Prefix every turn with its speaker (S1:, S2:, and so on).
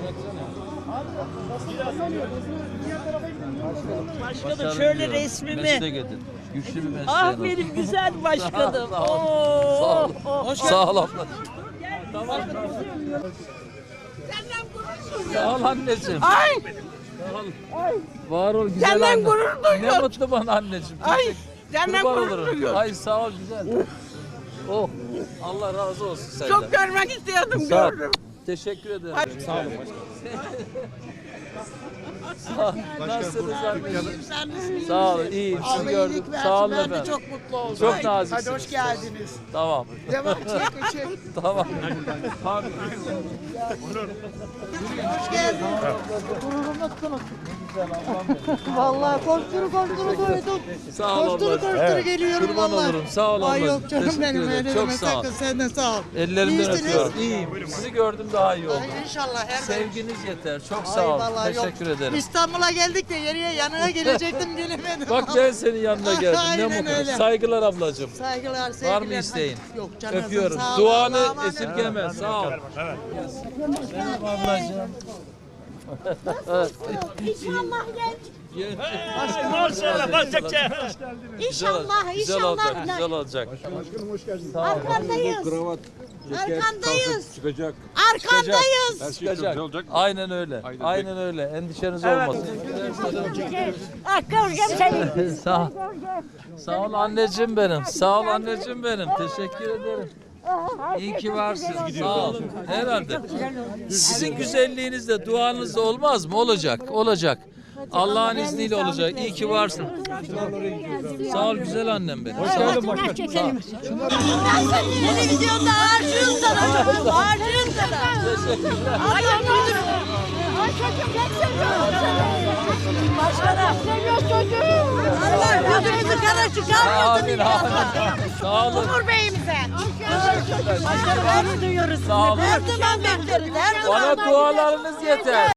S1: Başkanım şöyle resmimi.
S2: Mesleğe gidin. Güçlü bir mesleğe.
S1: Ah benim güzel başkanım.
S2: Sağ ol. Sağ ol abla. Sağ ol anneciğim.
S1: Ay
S2: Sağ ol. Var ol güzel
S1: Senden
S2: anne.
S1: gurur duyuyorum.
S2: Ne mutlu bana anneciğim.
S1: ay senden
S2: Kurban
S1: gurur
S2: olurum.
S1: duyuyorum.
S2: Ay sağ ol güzel. Oh Allah razı olsun senden.
S1: Çok görmek istiyordum
S2: Sağ ol.
S1: gördüm.
S2: Teşekkür ederim.
S1: Ay.
S2: Sağ olun. Sağ ol. Nasılsınız anneciğim? Sağ olun. İyiyim. Sizi gördüm. Sağ olun efendim.
S1: Çok mutlu oldum.
S2: Çok naziksiniz.
S1: Hadi hoş geldiniz.
S2: Tamam.
S1: Devam çek.
S2: Tamam. Pardon.
S1: Hoş geldin. Vallahi koşturu duydum.
S2: Sağ ol ablacığım.
S1: Geliyorum
S2: Kurban
S1: vallahi.
S2: olurum. Sağ ol
S1: Ay
S2: ablacığım.
S1: yok canım
S2: Teşekkür
S1: benim
S2: ederim.
S1: öyle
S2: Çok
S1: deme
S2: sağ ol.
S1: sakın, sen de sağ ol.
S2: Ellerinden
S1: İyisiniz.
S2: öpüyorum. İyiyim. Sizi gördüm daha iyi oldu.
S1: Ay inşallah her
S2: Sevginiz yeter. Çok
S1: Ay
S2: sağ ol.
S1: vallahi yok.
S2: Teşekkür ederim.
S1: İstanbul'a geldik de yeriye yanına gelecektim gelemedim.
S2: Bak ben senin yanına geldim. Ne
S1: Aynen
S2: mutlu.
S1: öyle.
S2: Saygılar ablacığım.
S1: Saygılar, sevgiler.
S2: Var mı isteğin?
S1: Yok canım.
S2: Öpüyorum.
S1: Sağ ol,
S2: Duanı
S1: Allah'a emanet.
S2: esirgeme. Sağ ol. Ablacığım.
S3: İnşallah genç.
S2: İnşallah, güzel olacak, güzel olacak.
S3: Arkandayız. Arkandayız.
S4: Çıkacak.
S3: Arkandayız.
S2: Çıkacak. Aynen öyle. Aynen öyle. Endişeniz olmasın. Sağ ol. Sağ ol anneciğim benim. Sağ ol anneciğim benim. Teşekkür ederim. İyi ki varsın. Sağ ol. Herhalde. Sizin güzelliğinizle, duanızla olmaz mı? Olacak. Olacak. Allah'ın izniyle olacak. İyi ki varsın. Sağ ol güzel annem benim. Hoş geldin başkanım.
S3: Televizyonda harcıyorsun sana. Harcıyorsun sana.
S2: Teşekkürler.
S3: Ay müdürüm. Ay çocuğum pek seviyorum seni. Başkanım. Seviyor çocuğum. Allah yüzünüzü kara çıkarmasın
S2: Amin,
S3: inşallah.
S2: amin. Sağ olun.
S3: Umur Bey'imize.
S2: Teşekkürler.
S3: Başkanım onu duyuyoruz.
S2: Sağ olun.
S3: Her zaman bekleriz. Her zaman
S2: Bana dualarınız yeter.